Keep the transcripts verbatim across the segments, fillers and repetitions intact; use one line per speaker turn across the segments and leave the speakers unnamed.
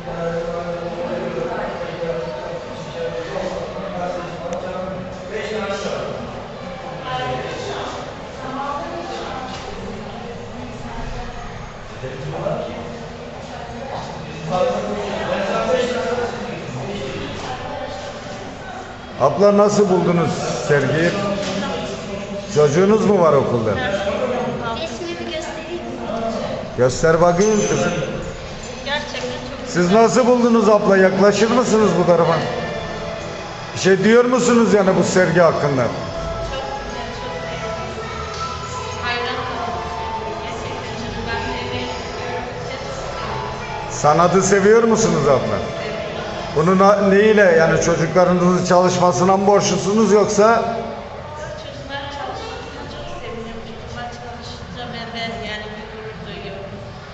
Abla nasıl buldunuz sergiyi? Çocuğunuz mu var okulda?
Resmimi göstereyim mi?
Göster bakayım kızım.
Gerçekten çok
Siz nasıl buldunuz abla? Yaklaşır mısınız bu tarafa? Bir şey diyor musunuz yani bu sergi hakkında?
çok güzel, çok beğendim. Hayran kaldım. Gerçekten canım, ben de emeği görüyorum.
Sanatı seviyor musunuz abla? Bunu na- neyle yani çocuklarınızın çalışmasına mı borçlusunuz yoksa?
Çocuklar çalışmasına çok seviniyorum. Çocuklar çalışınca ben de yani bir gurur duyuyorum.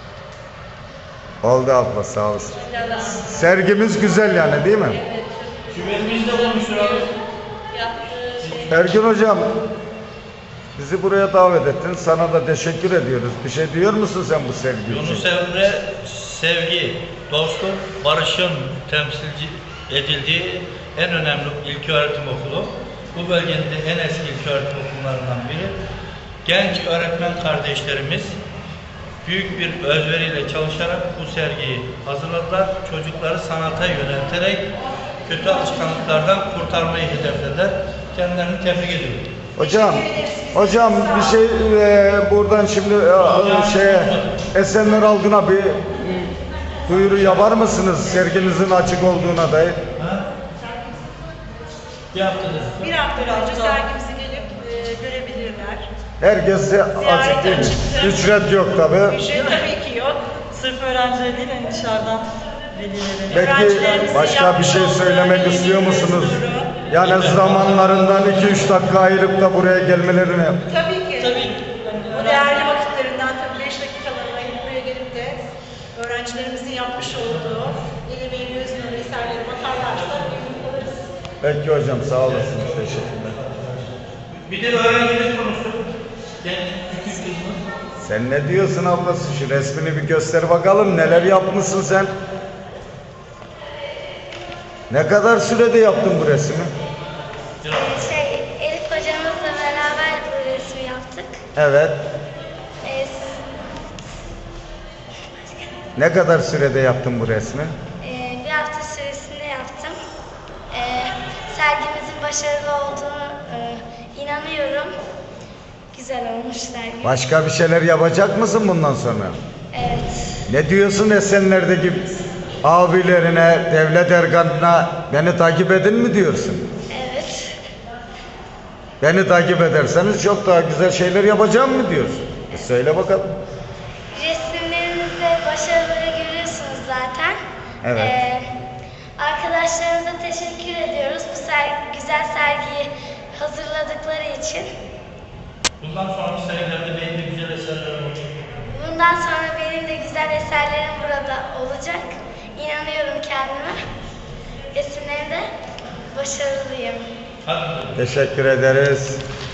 Oldu abla, sağ olasın.
Yalan.
Sergimiz güzel yani değil mi?
Evet, çok güzel.
Küvetimiz de olmuştur abi.
Yaptığı şey.
Ergün hocam, bizi buraya davet ettin. Sana da teşekkür ediyoruz. Bir şey diyor musun sen bu sergi için?
Yunus Emre sevgi, dostluk, barışın temsilci edildiği en önemli ilköğretim okulu. Bu bölgenin de en eski ilköğretim okullarından biri. Genç öğretmen kardeşlerimiz büyük bir özveriyle çalışarak bu sergiyi hazırladılar. Çocukları sanata yönelterek kötü alışkanlıklardan kurtarmayı hedeflediler. Kendilerini tebrik ediyorum.
Hocam, hocam bir şey e, buradan şimdi e, şeye Esenler Algın'a bir duyuru yapar mısınız sergimizin açık olduğuna dair?
Ha? Yaptınız.
Bir hafta önce sergimizi gelip e, görebilirler.
Herkese açık değil mi?
açıktır.
Ücret yok tabi.
Ücret tabii ki yok.
Sırf öğrenciler değil, hani dışarıdan velileri.
Peki
Öğrencilerimizin
başka bir
yapmış
şey
olduğu
söylemek
önemli
istiyor
bir
musunuz?
duyuru.
Yani zamanlarından iki üç dakika ayırıp da buraya gelmelerini.
Tabii ki.
Tabii.
Bu değerli vakitlerinden tabii beş dakikalarına ayırıp buraya gelip de öğrencilerimizin yapmış olduğu el emeğini özgün eserlere bakarlarsa memnun kalırız.
Peki hocam, sağ olasınız. Teşekkürler.
Bir de öğrencimiz konuştuk. Genç küçük kızımız.
Sen ne diyorsun ablası? Şu resmini bir göster bakalım. Neler yapmışsın sen? Ne kadar sürede yaptın bu resmi?
Şey, Elif hocamızla beraber bu resmi yaptık.
Evet.
Ee,
Ne kadar sürede yaptın bu resmi?
e, bir hafta süresinde yaptım. Ee, sergimizin başarılı olduğunu e, inanıyorum. Güzel olmuş sergi.
Başka bir şeyler yapacak mısın bundan sonra?
Evet.
Ne diyorsun Esenler'deki abilerine, devlet erkanına beni takip edin mi diyorsun?
Evet.
Beni takip ederseniz çok daha güzel şeyler yapacağım mı diyorsun? E söyle bakalım.
Resimlerinizde başarıları görüyorsunuz zaten.
Evet.
Ee, arkadaşlarımıza teşekkür ediyoruz bu ser- güzel sergiyi hazırladıkları için.
Bundan sonraki senelerde benim de güzel eserlerim olacak.
Bundan sonra benim de güzel eserlerim burada olacak. İnanıyorum kendime. Resimlerimde başarılıyım.
Hadi.
Teşekkür ederiz.